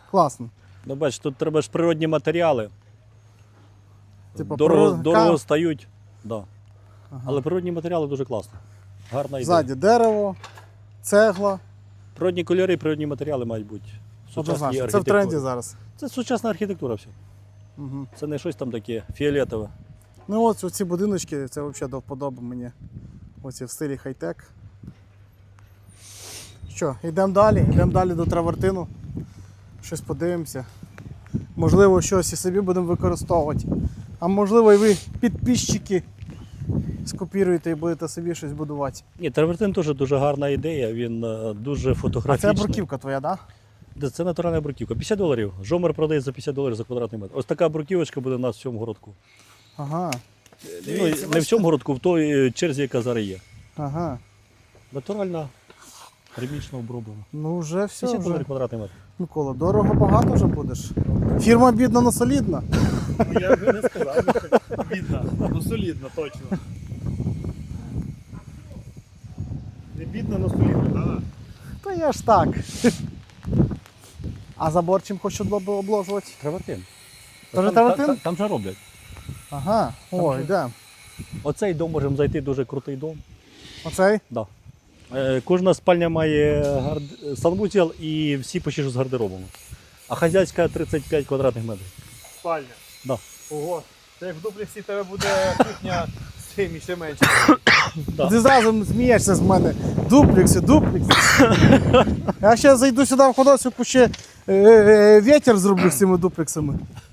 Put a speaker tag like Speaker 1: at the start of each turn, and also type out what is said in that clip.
Speaker 1: Класно.
Speaker 2: Ну, бач, тут треба ж природні матеріали.
Speaker 1: Типа
Speaker 2: Дорого стають. Да. Ага. Але природні матеріали дуже класно. Гарна ідея.
Speaker 1: Ззаді дерево, цегла.
Speaker 2: Природні кольори, природні матеріали мають бути.
Speaker 1: Однозначно. Це в тренді зараз.
Speaker 2: Це сучасна архітектура все.
Speaker 1: Угу.
Speaker 2: Це не щось там таке фіолетове.
Speaker 1: Ну от ці будиночки, це взагалі до вподоби мені. Оці в стилі хай-тек. Що, йдемо далі до травертину. Щось подивимося. Можливо, щось і собі будемо використовувати. А можливо, і ви, підписчики, скопіруєте і будете собі щось будувати.
Speaker 2: Ні, травертин теж дуже гарна ідея, він дуже
Speaker 1: А
Speaker 2: фотографічний.
Speaker 1: це бруківка твоя, так? Да?
Speaker 2: Це натуральна бруківка. $50. Жомер продає за $50 за квадратний метр. Ось така бруківочка буде у нас в цьому городку.
Speaker 1: Ага.
Speaker 2: Ну, не в цьому городку, в той черзі, яка зараз є.
Speaker 1: Ага.
Speaker 2: Натуральна, термічно оброблена.
Speaker 1: Ну вже все.
Speaker 2: $50
Speaker 1: Вже.
Speaker 2: квадратний метр.
Speaker 1: Микола, дорого багато вже будеш. Фірма бідна, но солідна.
Speaker 3: Я би не сказав, що бідна, ну солідна точно. Не бідна, но солідна, так?
Speaker 1: Та я ж так. А забор чим хочуть обложувати?
Speaker 2: Травертин.
Speaker 1: Тоже травертин?
Speaker 2: Там же роблять.
Speaker 1: Ага, ой, де.
Speaker 2: Оцей дом можемо зайти, дуже крутий дом.
Speaker 1: Оцей?
Speaker 2: Да. Кожна спальня має санвузел і всі почти з гардеробом. А хазяйська 35 квадратних метрів.
Speaker 3: Спальня.
Speaker 2: Да.
Speaker 3: Ого. Це як в дуплексі тебе буде кухня з цим і ще менше.
Speaker 2: Да.
Speaker 1: Ти зразу смієшся з мене. Дуплекси. Я ще зайду сюди в ходосівку, ще вітер зроблю з цими дуплексами.